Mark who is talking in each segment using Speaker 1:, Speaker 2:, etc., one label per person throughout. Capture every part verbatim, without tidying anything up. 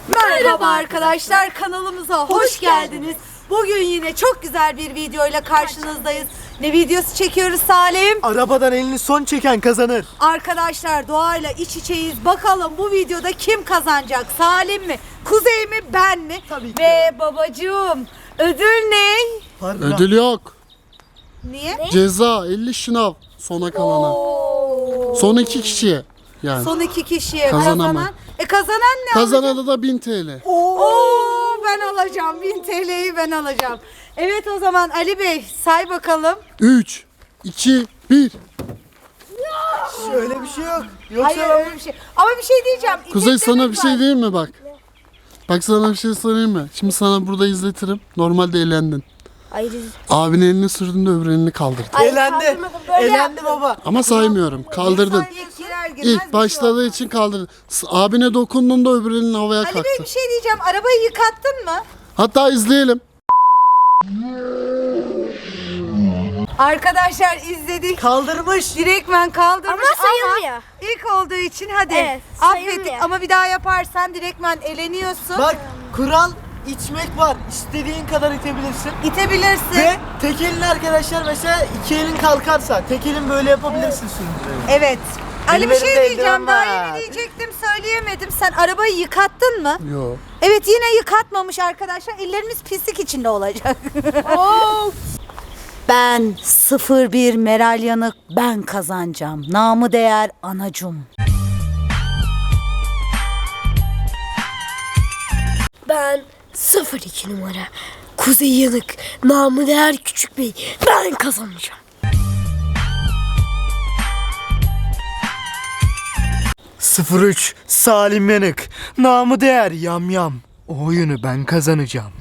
Speaker 1: Merhaba arkadaşlar, kanalımıza hoş geldiniz. Bugün yine çok güzel bir videoyla karşınızdayız. Ne videosu çekiyoruz Salim?
Speaker 2: Arabadan elini son çeken kazanır.
Speaker 1: Arkadaşlar doğayla iç içeyiz. Bakalım bu videoda kim kazanacak? Salim mi? Kuzey mi? Ben mi?
Speaker 2: Tabii ki.
Speaker 1: Ve babacığım ödül ne?
Speaker 2: Pardon.
Speaker 3: Ödül yok.
Speaker 1: Niye?
Speaker 3: Ceza elli şınav sona kalana.
Speaker 1: Oo.
Speaker 3: Son iki kişiye yani.
Speaker 1: Son iki kişiye
Speaker 3: Kazanama.
Speaker 1: kazanan. E kazanan ne alacak?
Speaker 3: Kazanana da bin T L.
Speaker 1: Oo, ben alacağım. bin T L'yi ben alacağım. Evet o zaman Ali Bey say bakalım.
Speaker 3: üç, iki, bir.
Speaker 2: Öyle bir şey yok. Yoksa
Speaker 1: Hayır öyle bir şey. Ama bir şey diyeceğim.
Speaker 3: Kuzey
Speaker 1: İteklerimiz
Speaker 3: sana bir şey
Speaker 1: var.
Speaker 3: diyeyim mi bak? Bak sana bir şey söyleyeyim mi? Şimdi sana burada izletirim. Normalde eğlendin.
Speaker 4: Hayır.
Speaker 3: Abinin elini sürdün de öbür elini kaldırdın.
Speaker 4: Ay,
Speaker 2: elendi.
Speaker 4: kaldırmadım, böyle
Speaker 2: Elendi
Speaker 4: yaptım.
Speaker 2: baba.
Speaker 3: Ama saymıyorum. Kaldırdın.
Speaker 1: İlk girer girmez bir
Speaker 3: İlk
Speaker 1: şey
Speaker 3: başladığı
Speaker 1: olmaz.
Speaker 3: için kaldırdın. S- Abine dokundun da öbür elin havaya
Speaker 1: Ali Bey
Speaker 3: kalktı.
Speaker 1: bir şey diyeceğim. Arabayı yıkattın mı?
Speaker 3: Hatta izleyelim.
Speaker 1: Arkadaşlar izledik.
Speaker 2: Kaldırmış.
Speaker 1: Direktmen kaldırmış
Speaker 4: Ama sayılmıyor.
Speaker 1: ilk olduğu için hadi
Speaker 4: Evet,
Speaker 1: affettik
Speaker 4: sayılmıyor.
Speaker 1: ama bir daha yaparsan direktmen eleniyorsun.
Speaker 2: Bak kural içmek var. İstediğin kadar itebilirsin.
Speaker 1: İtebilirsin.
Speaker 2: Ve tek elin arkadaşlar mesela iki elin kalkarsa tek elin böyle yapabilirsin sürücüyü.
Speaker 1: Evet. Ali
Speaker 2: Benim
Speaker 1: bir şey
Speaker 2: elimde
Speaker 1: diyeceğim.
Speaker 2: eldiven
Speaker 1: Daha
Speaker 2: var.
Speaker 1: yeni diyecektim söyleyemedim. Sen arabayı yıkattın mı?
Speaker 3: Yo.
Speaker 1: Evet yine yıkatmamış arkadaşlar. Ellerimiz pislik içinde olacak. Ben sıfır bir Meral Yanık ben kazanacağım. Namı değer anacım.
Speaker 4: Ben sıfır iki numara. Kuzey Yanık. Namı değer küçük bey. Ben kazanacağım.
Speaker 2: sıfır üç Salim Yanık. Namı değer yam yam. O oyunu ben kazanacağım.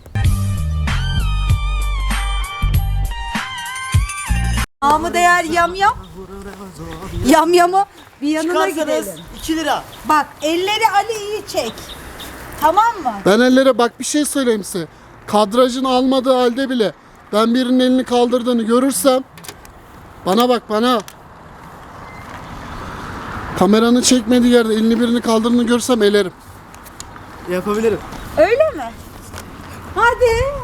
Speaker 1: Namı değer yamyam. Yamyamı bir yanına
Speaker 2: Çıkarsanız
Speaker 1: gidelim.
Speaker 2: iki lira.
Speaker 1: Bak elleri Ali iyi çek. Tamam mı?
Speaker 3: Ben ellere bak bir şey söyleyeyim size. Kadrajın almadığı halde bile ben birinin elini kaldırdığını görürsem bana bak bana. Kameranın çekmediği yerde elini birini kaldırdığını görsem elerim.
Speaker 2: Yapabilirim.
Speaker 1: Öyle mi? Hadi.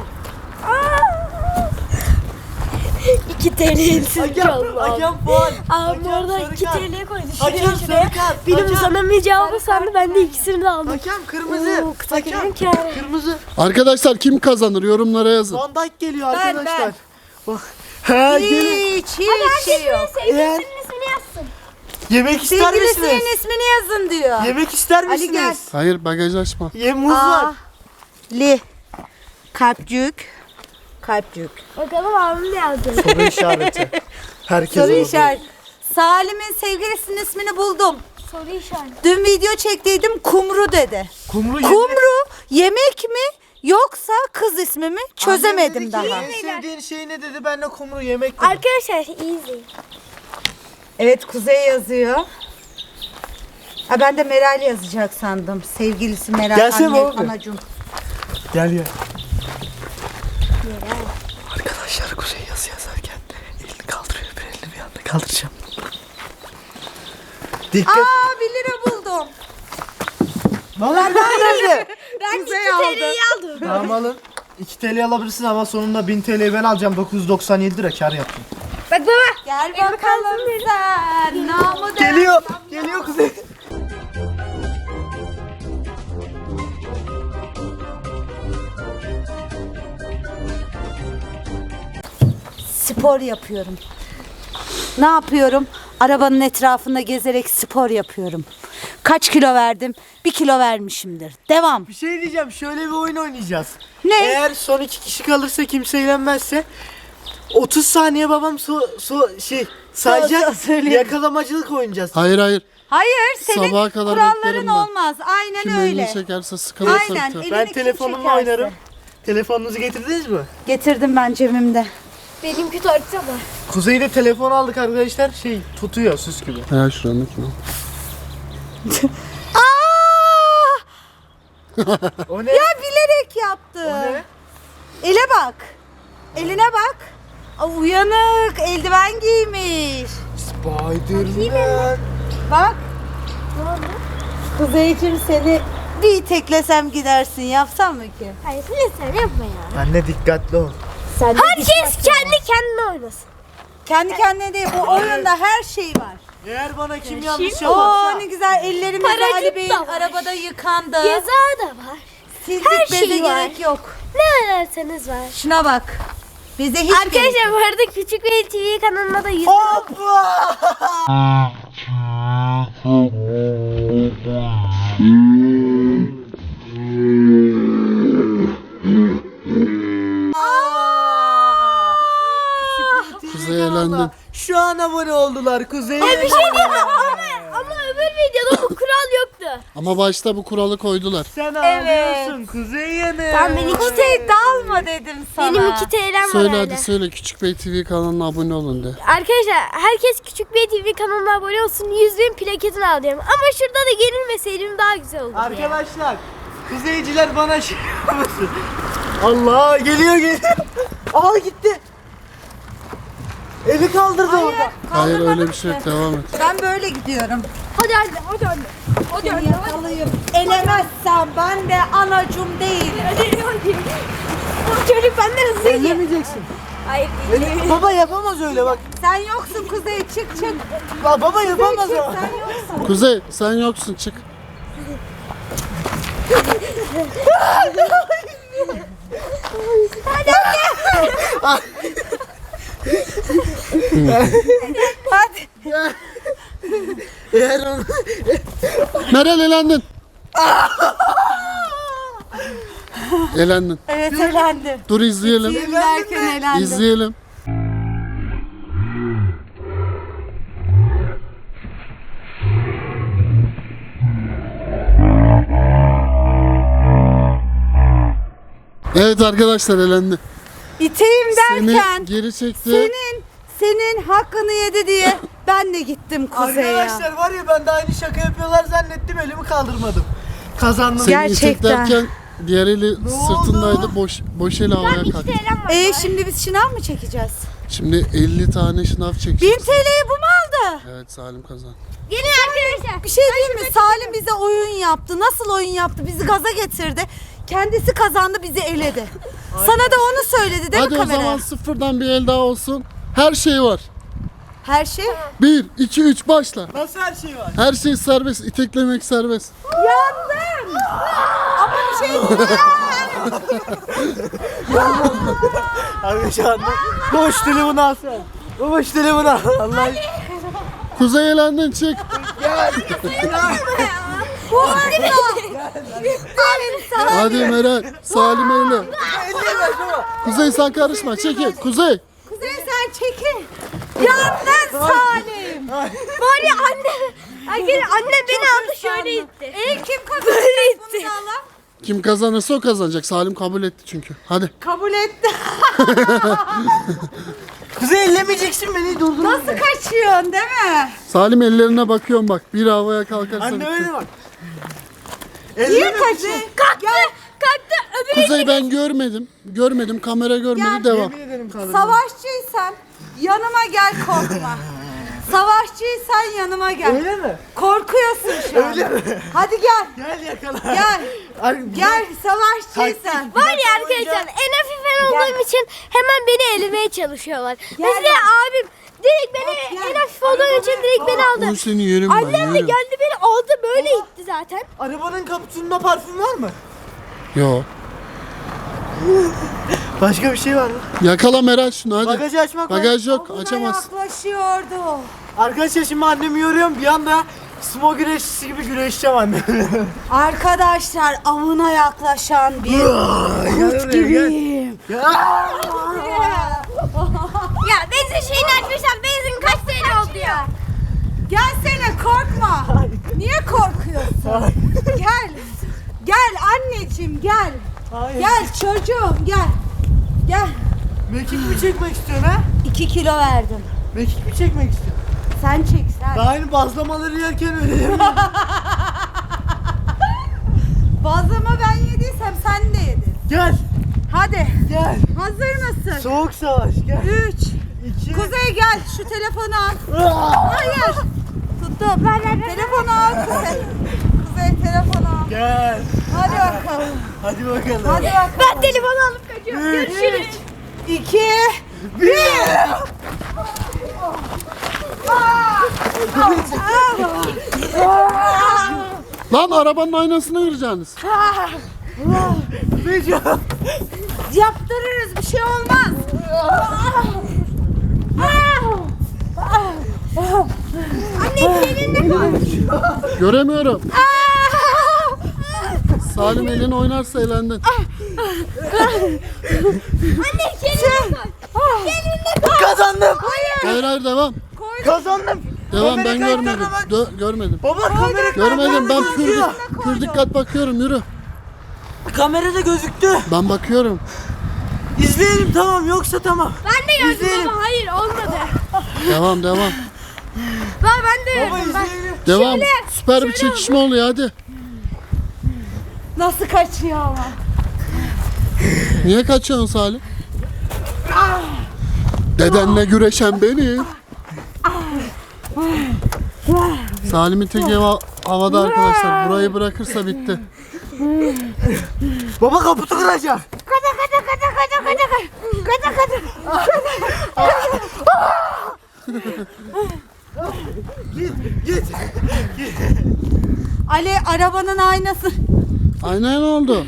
Speaker 4: iki T L elsiz
Speaker 2: Hakem,
Speaker 4: kaldı.
Speaker 2: hakem puan.
Speaker 4: Abi
Speaker 2: Hakem
Speaker 4: orada
Speaker 2: sarı
Speaker 4: iki
Speaker 2: kart.
Speaker 4: T L koydu.
Speaker 2: Hakem
Speaker 4: Şuraya
Speaker 2: sarı
Speaker 4: şuraya.
Speaker 2: kart.
Speaker 4: Benim
Speaker 2: Hakem.
Speaker 4: uzanamayacağımı sandı. Ben de ikisini de aldım.
Speaker 2: Hakem kırmızı.
Speaker 4: Oo, kısa
Speaker 2: Hakem
Speaker 4: gelen kâr.
Speaker 2: kırmızı.
Speaker 3: Arkadaşlar kim kazanır yorumlara yazın.
Speaker 2: Van Dijk geliyor
Speaker 1: Ben,
Speaker 2: arkadaşlar. Bak. Ha gelin.
Speaker 1: Hiç hiç şey yok.
Speaker 2: Eğer
Speaker 4: ismini yazsın.
Speaker 2: yemek ister misiniz?
Speaker 1: Sevgilisinin ismini yazın diyor.
Speaker 2: Yemek ister
Speaker 1: Ali gel.
Speaker 2: misiniz?
Speaker 3: Hayır bagaj açma.
Speaker 2: Ye muz
Speaker 1: Aa,
Speaker 2: var.
Speaker 1: Li. Kalpcük. Kalpcük.
Speaker 4: Bakalım abim ne yazdı.
Speaker 2: Soru işareti. Herkes
Speaker 1: Soru
Speaker 2: oldu.
Speaker 1: işaret. Salim'in sevgilisinin ismini buldum.
Speaker 4: Soru işareti.
Speaker 1: Dün video çektiydim Kumru dedi.
Speaker 2: Kumru yemek.
Speaker 1: Kumru yemek mi yoksa kız ismi mi? Çözemedim
Speaker 2: Annem
Speaker 1: daha.
Speaker 2: dedi ki, en sevdiğin şey ne dedi? Ben de kumru yemek dedim.
Speaker 4: Arkadaşlar iyi izleyin.
Speaker 1: Evet Kuzey yazıyor. Ha, ben de Meral yazacak sandım. Sevgilisi Meral.
Speaker 2: Gelsene
Speaker 1: anne,
Speaker 2: abi.
Speaker 1: anacığım.
Speaker 2: Gel gel. Arkadaşlar Kuzey yazı yazarken elini kaldırıyor. Bir elini bir anda kaldıracağım. Dikkat.
Speaker 1: Aa bir lira buldum.
Speaker 2: Bana nerede?
Speaker 4: Ben
Speaker 1: Kuzey
Speaker 4: iki
Speaker 1: aldı.
Speaker 4: T L'yi aldım.
Speaker 2: Tamam alın. iki T L alabilirsin ama sonunda bin T L'yi ben alacağım. dokuz yüz doksan yedi lira kar yaptım.
Speaker 4: Bak baba.
Speaker 1: Gel bakalım sen. Namı değer.
Speaker 2: Geliyor. Geliyor Kuzey.
Speaker 1: Spor yapıyorum. Ne yapıyorum? Arabanın etrafında gezerek spor yapıyorum. Kaç kilo verdim? Bir kilo vermişimdir. Devam.
Speaker 2: Bir şey diyeceğim. Şöyle bir oyun oynayacağız.
Speaker 1: Ne?
Speaker 2: Eğer son iki kişi kalırsa kimse eğlenmezse otuz saniye babam su, su şey sayacak.
Speaker 1: söyleyeyim.
Speaker 2: Yakalamacılık oynayacağız.
Speaker 3: Hayır hayır.
Speaker 1: Hayır senin
Speaker 3: Sabaha kadar
Speaker 1: kuralların
Speaker 3: beklerim ben.
Speaker 1: olmaz. Aynen
Speaker 3: Kim
Speaker 1: öyle.
Speaker 3: elini çekerse sıkılır
Speaker 1: Aynen,
Speaker 3: sırtı.
Speaker 1: elini
Speaker 2: Ben
Speaker 1: kim
Speaker 2: telefonumla
Speaker 1: çekerse.
Speaker 2: oynarım. Telefonunuzu getirdiniz mi?
Speaker 1: Getirdim ben cebimde.
Speaker 4: Benimki tartışa var.
Speaker 2: Kuzey'de telefon aldık arkadaşlar. Şey tutuyor süs gibi.
Speaker 3: Ya şuradaki o.
Speaker 1: Aa!
Speaker 2: O ne?
Speaker 1: Ya bilerek yaptı.
Speaker 2: O ne?
Speaker 1: Ele bak. Eline bak. Aa, uyanık. Eldiven giymiş.
Speaker 2: Spiderman.
Speaker 1: Bak. Kuzeyciğim seni Bir iteklesem gidersin, yapsam mı ki?
Speaker 4: Hayır lütfen yapma ya.
Speaker 2: Anne dikkatli ol.
Speaker 1: Sen de
Speaker 4: Herkes
Speaker 1: dikkat-
Speaker 4: kendi kendine oynasın.
Speaker 1: Kendi kendine değil, bu oyunda her şey var.
Speaker 2: Eğer bana kim yanlış
Speaker 1: Oo
Speaker 2: yaparsa.
Speaker 1: ne güzel ellerimizi
Speaker 4: Paracık
Speaker 1: Ali Bey'in
Speaker 4: da var.
Speaker 1: arabada yıkandı.
Speaker 4: Ceza da var.
Speaker 1: Sildik,
Speaker 4: her
Speaker 1: beze
Speaker 4: şey var.
Speaker 1: gerek yok.
Speaker 4: Ne ararsanız var.
Speaker 1: Şuna bak. Bize hiç gerek
Speaker 4: Arkadaşlar bu arada Küçük Bey T V kanalına da yüz...
Speaker 2: Hoppa!
Speaker 3: Kuzey eğlendin.
Speaker 2: Şu an abone oldular Kuzey.
Speaker 4: Bir şey diyeyim mi? Ama, ama öbür videoda bu kural yoktu.
Speaker 3: Ama başta bu kuralı koydular.
Speaker 2: Sen
Speaker 1: Evet.
Speaker 2: ağlıyorsun Kuzey yanı.
Speaker 4: Tamam, ben iki
Speaker 1: Kuzey dalma dedim sana.
Speaker 4: Benim iki T L'm var
Speaker 3: Söyle
Speaker 4: hala.
Speaker 3: hadi söyle Küçük Bey T V kanalına abone olun de.
Speaker 4: Arkadaşlar herkes Küçük Bey T V kanalına abone olsun. yüz bin plaketini alıyorum. Ama şurada da gerilmeseydim daha güzel olurdu ya.
Speaker 2: Arkadaşlar Kuzeyciler bana şey yapmasın. Allah geliyor geliyor. Aa gitti. Eli kaldırdı orada.
Speaker 3: Hayır öyle
Speaker 1: Kaldırmadım
Speaker 3: bir şey yok,
Speaker 1: ki.
Speaker 3: devam et.
Speaker 1: Ben böyle gidiyorum.
Speaker 4: Hadi anne, hadi anne. Hadi
Speaker 1: Seni
Speaker 4: anne, hadi.
Speaker 1: yakalayıp elemezsem ben de anacım değilim.
Speaker 4: Hadi, hadi. Bu çocuk benden hızlı gidiyor.
Speaker 2: Ellemeyeceksin.
Speaker 4: Hayır,
Speaker 2: Eli- baba yapamaz öyle bak.
Speaker 1: Sen yoksun Kuzey, çık çık.
Speaker 2: Ba- baba yapamaz
Speaker 1: Çık,
Speaker 2: o.
Speaker 1: sen yoksun.
Speaker 3: Kuzey sen yoksun, çık.
Speaker 1: Hadi.
Speaker 2: Eğer onu...
Speaker 3: Meral elendin. Elendin.
Speaker 1: Evet elendim.
Speaker 3: Dur izleyelim.
Speaker 1: Kim derken elendim.
Speaker 3: İzleyelim. Evet arkadaşlar elendi.
Speaker 1: İteyim derken
Speaker 3: Seni geri çekti.
Speaker 1: senin senin hakkını yedi diye ben de gittim Kuzey'e.
Speaker 2: Arkadaşlar var ya ben de aynı şaka yapıyorlar zannettim elimi kaldırmadım. Kazandım.
Speaker 3: Seni
Speaker 1: Gerçekten.
Speaker 3: iteklerken diğer eli sırtındaydı. Boş boş eli havaya
Speaker 4: iki
Speaker 3: kalktı.
Speaker 4: T L'm var.
Speaker 1: Ee şimdi biz şınav mı çekeceğiz?
Speaker 3: Şimdi elli tane şınav
Speaker 1: bin
Speaker 3: çekeceğiz.
Speaker 1: T L'yi bu mu aldı?
Speaker 3: Evet Salim kazandı.
Speaker 4: Gelin arkadaşlar.
Speaker 1: Bir şey diyeyim mi? Salim bize oyun yaptı. Nasıl oyun yaptı? Bizi gaza getirdi. Kendisi kazandı, bizi eledi. Sana da onu söyledi değil
Speaker 3: Hadi
Speaker 1: mi
Speaker 3: o
Speaker 1: kameraya?
Speaker 3: zaman sıfırdan bir el daha olsun. Her şey var.
Speaker 1: Her şey.
Speaker 3: bir, iki, üç başla.
Speaker 2: Nasıl her şey var?
Speaker 3: Her şey serbest. İteklemek serbest.
Speaker 1: Yandım. Ama bir şey
Speaker 2: Abi şu anda boş telefonu al sen. Boş telefonu al. Allah
Speaker 3: Kuzey elendin, çık.
Speaker 1: bu arada.
Speaker 3: Hadi Meral. Salim eyle.
Speaker 2: elleme baba.
Speaker 3: Kuzey sen karışma. Çekil. Kuzey.
Speaker 1: Kuzey sen çekil. Yandın Salim.
Speaker 4: Var ya anne. Arkadaşlar anne beni aldı şöyle itti.
Speaker 1: E kim kazanacak
Speaker 4: Böyle
Speaker 1: bunu
Speaker 4: itti.
Speaker 1: da Allah?
Speaker 3: Kim kazanırsa o kazanacak. Salim kabul etti çünkü. Hadi.
Speaker 1: Kabul etti.
Speaker 2: Kuzey ellemeyeceksin beni durdur.
Speaker 1: Nasıl kaçıyorsun değil mi?
Speaker 3: Salim ellerine bakıyorum bak. Bir havaya kalkarsa.
Speaker 2: Anne
Speaker 3: bitti.
Speaker 2: öyle bak.
Speaker 1: Niye
Speaker 2: Elleme
Speaker 1: kaçıyorsun?
Speaker 4: Kalktı. Kalktı. Öbürü
Speaker 3: Kuzey ben görmedim. Görmedim. Kamera görmedi.
Speaker 1: Ya,
Speaker 3: Devam.
Speaker 2: Yemin ederim kaldırdım.
Speaker 1: Savaşçıysan yanıma gel, korkma. Savaşçıysan yanıma gel.
Speaker 2: Öyle mi?
Speaker 1: Korkuyorsun şu an.
Speaker 2: Öyle mi?
Speaker 1: Hadi gel.
Speaker 2: Gel yakala.
Speaker 1: Gel.
Speaker 2: Ay,
Speaker 1: Gel savaşçıysan.
Speaker 4: var ya arkadaşlar en hafif ben olduğum için hemen beni elemeye çalışıyorlar. Mesela
Speaker 1: bak.
Speaker 4: abim direkt beni
Speaker 1: Gel.
Speaker 4: en hafif olduğum için direkt beni aldı.
Speaker 3: Onu seni yerim ben.
Speaker 4: Annem de
Speaker 3: Yerim.
Speaker 4: geldi beni aldı böyle itti zaten.
Speaker 2: Arabanın kaputunda parfüm var mı?
Speaker 3: Yo.
Speaker 2: Başka bir şey var mı?
Speaker 3: Yakala Meral şunu hadi.
Speaker 2: Bagajı açmak var.
Speaker 3: Bagaj yok.
Speaker 1: Buna
Speaker 3: Açamaz.
Speaker 1: yaklaşıyordu.
Speaker 2: Arkadaşlar şimdi annemi yoruyorum bir anda sumo güreşçisi gibi güreşeceğim annemle.
Speaker 1: Arkadaşlar avına yaklaşan bir kurt gibiyim.
Speaker 4: Ya benzin şeyini açmışlar benzin kaç T L oldu ya.
Speaker 1: Gelsene, korkma. Niye korkuyorsun? Gel. Gel anneciğim gel.
Speaker 2: Hayır.
Speaker 1: Gel çocuğum gel. Gel.
Speaker 2: Mekik mi çekmek istiyorsun ha?
Speaker 1: iki kilo verdim.
Speaker 2: Mekik mi çekmek istiyorsun?
Speaker 1: Sen çek sen.
Speaker 2: Daha yeni bazlamaları yerken öyle değil mi?
Speaker 1: Bazlama ben yediysem sen de yedin.
Speaker 2: Gel.
Speaker 1: Hadi.
Speaker 2: Gel.
Speaker 1: Hazır mısın?
Speaker 2: Soğuk savaş gel.
Speaker 1: Üç.
Speaker 2: İki.
Speaker 1: Kuzey gel şu telefonu al.
Speaker 2: Aa!
Speaker 1: Hayır. Tuttum. Telefonu al Kuzey. Kuzey telefonu al.
Speaker 2: Gel.
Speaker 1: Hadi bakalım.
Speaker 2: Hadi bakalım.
Speaker 1: Hadi bakalım.
Speaker 4: Ben telefonu alıp kaçıyorum. Görüşürüz.
Speaker 1: İki.
Speaker 3: Lan arabanın aynasını kıracaksınız.
Speaker 1: Yaptırırız, bir şey olmaz.
Speaker 4: Anne seninle konuş.
Speaker 3: Göremiyorum. Salim elini oynarsa elendin.
Speaker 4: Anne seninle konuş. Seninle konuş.
Speaker 2: Kazandım.
Speaker 3: Hayır hayır devam.
Speaker 2: Kazandım.
Speaker 3: Devam
Speaker 2: Kamera
Speaker 3: ben görmedim.
Speaker 2: kayıtlarına bak.
Speaker 3: Dö- görmedim.
Speaker 2: Baba kamera
Speaker 3: Görmedim ben
Speaker 2: kayıtlarına
Speaker 3: pür,
Speaker 2: gözüküyor.
Speaker 3: pür dikkat bakıyorum yürü.
Speaker 2: Kamerada gözüktü.
Speaker 3: Ben bakıyorum.
Speaker 2: İzleyelim tamam yoksa tamam.
Speaker 4: Ben de gördüm
Speaker 2: İzleyelim.
Speaker 4: ama hayır olmadı.
Speaker 3: Devam devam.
Speaker 4: Ben, ben de
Speaker 2: Baba
Speaker 4: gördüm. Ben...
Speaker 2: izleyelim.
Speaker 3: Devam. Süper bir çekişme oluyor hadi.
Speaker 1: Nasıl kaçıyor ama?
Speaker 3: Niye kaçıyorsun Salim? Dedenle güreşen benim. Salim'in teki hava- havada arkadaşlar. Burayı bırakırsa bitti.
Speaker 2: Baba kaputu kıracak.
Speaker 1: Kaça kaça kaça kaça kaça kaça kaça.
Speaker 2: Git git.
Speaker 1: Ali arabanın aynası.
Speaker 3: Aynen oldu.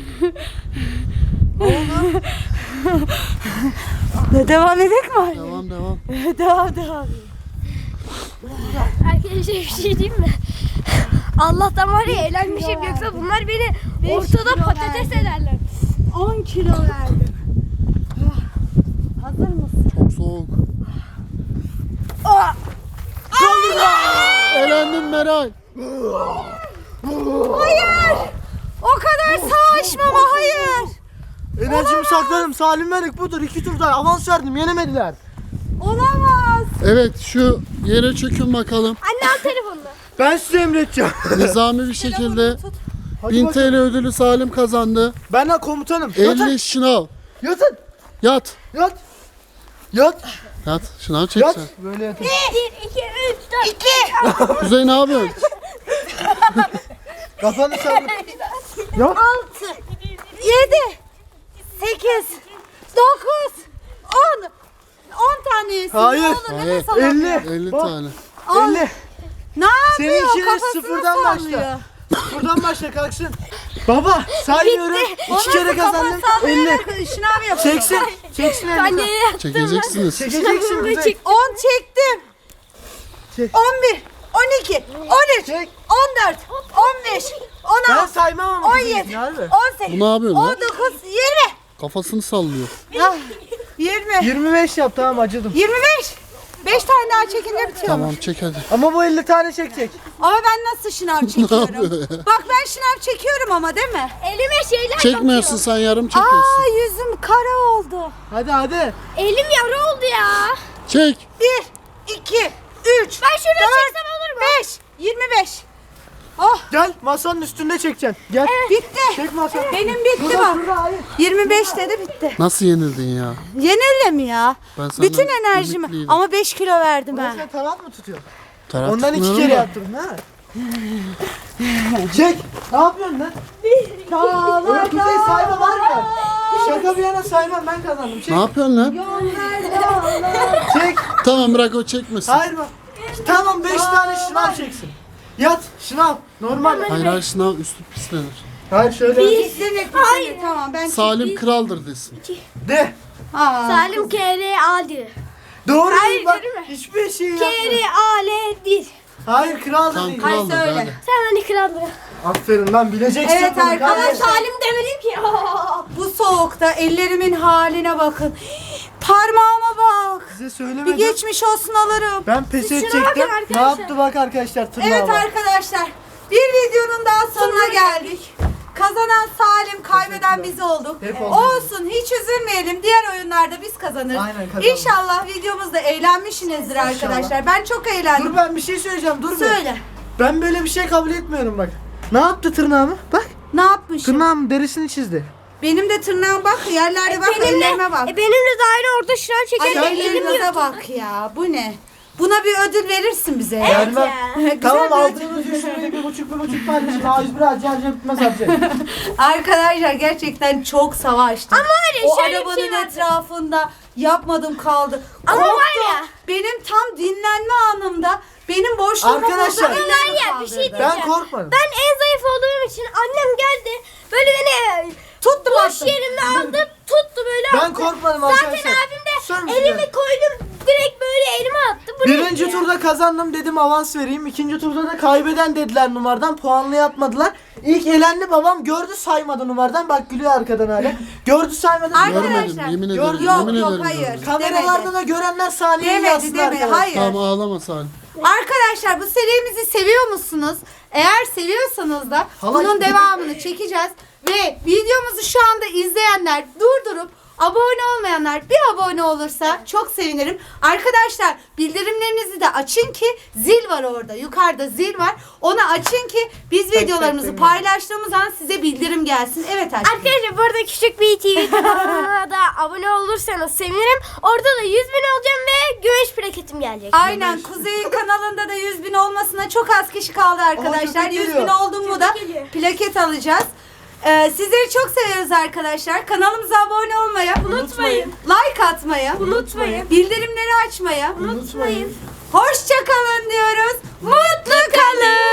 Speaker 1: Devam edelim mi Ali?
Speaker 3: Devam devam.
Speaker 1: Devam devam.
Speaker 4: Arkadaşlar bir şey diyeyim mi? Allah'tan var ya eğlenmişim yoksa bunlar beni ortada
Speaker 1: kilo
Speaker 4: patates
Speaker 1: verdim.
Speaker 4: ederler.
Speaker 1: on kilo verdim. Hazır mısın?
Speaker 3: Çok soğuk. Elendin Meral.
Speaker 1: Hayır. O kadar savaşmama hayır.
Speaker 2: Enerjimi sakladım. Salim Melik budur. İki turda avans verdim. Yenemediler.
Speaker 1: Olamaz.
Speaker 3: Evet şu yere çökün bakalım.
Speaker 4: Anne al telefonunu.
Speaker 2: Ben size emredeceğim.
Speaker 3: Nizami bir şekilde
Speaker 2: Hadi
Speaker 3: bin
Speaker 2: bakalım.
Speaker 3: T L ödülü Salim kazandı.
Speaker 2: Ben de komutanım. Yatın.
Speaker 3: elli şınav.
Speaker 2: Yatın.
Speaker 3: Yat.
Speaker 2: Yat. Yat.
Speaker 3: Yat. Şınav
Speaker 2: Yat.
Speaker 3: çeksen.
Speaker 2: Böyle yatın.
Speaker 4: bir, iki, üç, dört. İki.
Speaker 3: Kuzey ne yapıyorsun?
Speaker 2: Kafanı sallı. Yat.
Speaker 1: Altı. Yedi. Sekiz. Dokuz. On. On tane yesin.
Speaker 2: Hayır.
Speaker 1: Ne olur
Speaker 3: Hayır.
Speaker 1: nefes alamıyor.
Speaker 2: elli.
Speaker 3: elli
Speaker 2: Bak.
Speaker 3: tane.
Speaker 1: Al.
Speaker 2: elli.
Speaker 1: Ne yapıyor?
Speaker 2: Senin işine
Speaker 1: Kafasını
Speaker 2: sıfırdan
Speaker 1: sallıyor.
Speaker 2: başla. Buradan başla kalksın. Baba saymıyorum.
Speaker 1: O
Speaker 2: İki kere
Speaker 1: nasıl
Speaker 2: kazandım.
Speaker 1: kafa
Speaker 2: elli.
Speaker 1: sallayarak Şınav yapıyor.
Speaker 2: Çeksin. Çeksin
Speaker 4: Ben
Speaker 2: elli.
Speaker 4: nereye yaptım?
Speaker 3: Çekeceksiniz.
Speaker 2: Çekeceksin.
Speaker 4: Ve
Speaker 2: Kuzey.
Speaker 4: çek.
Speaker 1: on çektim.
Speaker 2: Çek.
Speaker 1: on bir. on iki. on üç.
Speaker 2: Çek.
Speaker 1: on dört. on beş. on
Speaker 2: Ben
Speaker 1: altı.
Speaker 2: saymam ama.
Speaker 1: on
Speaker 2: Kuzey,
Speaker 1: yedi.
Speaker 2: harbi.
Speaker 1: on sekiz.
Speaker 3: Bu ne yapıyor lan?
Speaker 1: on dokuz. yirmi.
Speaker 3: Kafasını sallıyor.
Speaker 1: Ah, yirmi.
Speaker 2: yirmi beş yap tamam acıdım.
Speaker 1: yirmi beş. beş tane daha çekince bitiyor.
Speaker 3: Tamam çek hadi.
Speaker 2: Ama bu elli tane çekecek.
Speaker 1: Ama ben nasıl şınav çekiyorum?
Speaker 3: yapıyor ya?
Speaker 1: Bak ben şınav çekiyorum ama değil mi?
Speaker 4: Elime şeyler
Speaker 3: Çekmiyorsun sen yarım çekiyorsun.
Speaker 1: Aa yüzüm kara oldu.
Speaker 2: Hadi hadi.
Speaker 4: batıyor. Elim yara oldu ya.
Speaker 3: Çek.
Speaker 1: bir, iki, üç,
Speaker 4: Ben şurada
Speaker 1: dört,
Speaker 4: çeksem olur mu?
Speaker 1: beş, yirmi beş. Oh
Speaker 2: Gel masanın üstünde çekeceksin. Gel.
Speaker 1: bitti.
Speaker 2: Çek masanın.
Speaker 1: Benim bitti bak. yirmi beş dedi bitti.
Speaker 3: Nasıl yenildin ya?
Speaker 1: Yenile mi ya?
Speaker 3: Ben senden
Speaker 1: Bütün enerjimi
Speaker 3: ümitliydim.
Speaker 1: ama beş kilo verdim ha.
Speaker 2: Sen taraf mı tutuyorsun?
Speaker 3: Taraf
Speaker 2: Ondan iki
Speaker 3: tutmuyorum
Speaker 2: kere
Speaker 3: da.
Speaker 2: yaptın ha. Çek. Ne yapıyorsun lan? Oğlum Kuzey sayma var mı? Şaka bir yana saymam ben kazandım. Çek.
Speaker 3: Ne yapıyorsun lan?
Speaker 2: Çek.
Speaker 3: Tamam bırak o çekmesin.
Speaker 2: Hayır mı? Tamam beş tane şınav çeksin. Yat şınav. Normal.
Speaker 3: Hayır hayır sınav üstü pislenir.
Speaker 2: Hayır şöyle.
Speaker 1: İzlemek Hayır. Tamam ben
Speaker 3: Salim kraldır desin.
Speaker 2: De.
Speaker 1: Aa.
Speaker 4: Salim kere aldı.
Speaker 2: Doğru
Speaker 4: Hayır,
Speaker 2: değil bak.
Speaker 4: dedim mi?
Speaker 2: Hiçbir şey yapma.
Speaker 4: Kere aledi.
Speaker 2: Hayır kral da
Speaker 3: Tam
Speaker 2: değil.
Speaker 3: kraldır
Speaker 1: söyle.
Speaker 3: hadi.
Speaker 4: Sen hani kraldın.
Speaker 2: Aferin lan bileceksin.
Speaker 1: Evet
Speaker 2: bunu
Speaker 1: arkadaşlar.
Speaker 2: kardeşim.
Speaker 4: Salim demedim ki.
Speaker 1: Bu soğukta ellerimin haline bakın. Parmağıma bak.
Speaker 2: Size
Speaker 1: Bir
Speaker 2: söylemedim.
Speaker 1: geçmiş olsun alırım.
Speaker 2: Ben pes
Speaker 4: Şuna
Speaker 2: edecektim.
Speaker 4: bakın
Speaker 2: Ne
Speaker 4: arkadaşlar.
Speaker 2: yaptı bak arkadaşlar tırnağa
Speaker 1: Evet
Speaker 2: bak.
Speaker 1: arkadaşlar. Bir videonun daha sonuna geldik. Kazanan Salim, kaybeden biz olduk.
Speaker 2: Hep olduk.
Speaker 1: Olsun, hiç üzülmeyelim. Diğer oyunlarda biz kazanırız.
Speaker 2: Aynen, kazanırız.
Speaker 1: İnşallah videomuzda eğlenmişsinizdir arkadaşlar. Ben çok eğlendim.
Speaker 2: Dur ben bir şey söyleyeceğim dur be.
Speaker 1: Söyle.
Speaker 2: Ben böyle bir şey kabul etmiyorum bak. Ne yaptı tırnağımı? Bak.
Speaker 1: Ne yapmışım?
Speaker 2: Tırnağım derisini çizdi.
Speaker 1: Benim de tırnağım bak, yerlerde bak, ellerime bak.
Speaker 4: E, benimle de aynı orada şınav
Speaker 1: Ay
Speaker 4: çekerken elim
Speaker 1: ellerinize
Speaker 4: yırtıldı.
Speaker 1: bak ya. Bu ne? Buna bir ödül verirsin bize. ya.
Speaker 2: Vermem.
Speaker 1: Güzel
Speaker 2: Tamam
Speaker 1: bir ödül.
Speaker 2: aldığınız üç lirayı bir buçuk bir buçuk tane için A yüz bir harca harca bitmez harca.
Speaker 1: Arkadaşlar gerçekten çok savaştım.
Speaker 4: Ama var ya,
Speaker 1: o
Speaker 4: şöyle bir
Speaker 1: arabanın
Speaker 4: şey vardı.
Speaker 1: etrafında yapmadım kaldı.
Speaker 4: Ama
Speaker 1: Korktum.
Speaker 4: var ya.
Speaker 1: Benim tam dinlenme anımda benim boşluğumu
Speaker 2: Arkadaşlar,
Speaker 1: buldu,
Speaker 4: Ama var
Speaker 1: ellerimi
Speaker 4: ya bir şey
Speaker 1: kaldırdı.
Speaker 4: diyeceğim.
Speaker 2: Ben korkmadım.
Speaker 4: Ben en zayıf olduğum için annem geldi. Böyle beni
Speaker 1: Tuttum
Speaker 4: boş
Speaker 1: attım.
Speaker 4: yerimde aldı. Tuttu böyle
Speaker 2: Ben
Speaker 4: attı.
Speaker 2: korkmadım
Speaker 4: Zaten
Speaker 2: arkadaşlar.
Speaker 4: abim
Speaker 2: Susar
Speaker 4: de
Speaker 2: mısın
Speaker 4: elimi
Speaker 2: ya?
Speaker 4: koydum. Direkt böyle elime attı. Bu
Speaker 2: Birinci
Speaker 4: neydi ya?
Speaker 2: turda kazandım dedim avans vereyim. İkinci turda da kaybeden dediler numaradan. Puanlı yapmadılar. İlk elendi babam gördü saymadı numaradan. Bak gülüyor arkadan hala. Gördü saymadı.
Speaker 1: Arkadaşlar,
Speaker 3: Görmedim yemin ederim.
Speaker 2: Gördüm.
Speaker 1: Yok
Speaker 3: yemin
Speaker 1: yok
Speaker 3: ederim
Speaker 1: hayır.
Speaker 3: görmedim.
Speaker 2: Kameralarda da görenler saniye
Speaker 1: Demedi
Speaker 2: yazsın
Speaker 1: demedi
Speaker 2: arkadaşlar.
Speaker 1: hayır.
Speaker 3: Tamam ağlama Salih.
Speaker 1: Arkadaşlar bu serimizi seviyor musunuz? Eğer seviyorsanız da
Speaker 2: Hala
Speaker 1: bunun
Speaker 2: işte-
Speaker 1: devamını çekeceğiz. Ve videomuzu şu anda izleyenler durdurup abone olmayanlar bir abone olursa çok sevinirim. Arkadaşlar bildirimlerinizi de açın ki zil var orada. Yukarıda zil var. Onu açın ki biz videolarımızı
Speaker 2: tek
Speaker 1: paylaştığımız an size bildirim gelsin. Evet Aşkım.
Speaker 4: Arkadaşlar bu arada küçük bir T V kanalına da abone olursanız sevinirim. Orada da yüz bin olacağım ve gümüş plaketim gelecek.
Speaker 1: Aynen Kuzey'in kanalında da yüz bin olmasına çok az kişi kaldı arkadaşlar.
Speaker 2: köpek
Speaker 1: yüz bin
Speaker 2: geliyor.
Speaker 1: oldum mu da
Speaker 4: Köpek geliyor.
Speaker 1: plaket alacağız. Ee, sizleri çok seviyoruz arkadaşlar. Kanalımıza abone olmayı,
Speaker 4: Unutmayın.
Speaker 1: like atmayı,
Speaker 4: Unutmayın.
Speaker 1: bildirimleri açmayı,
Speaker 2: Unutmayın.
Speaker 1: hoşça kalın diyoruz. Mutlu kalın.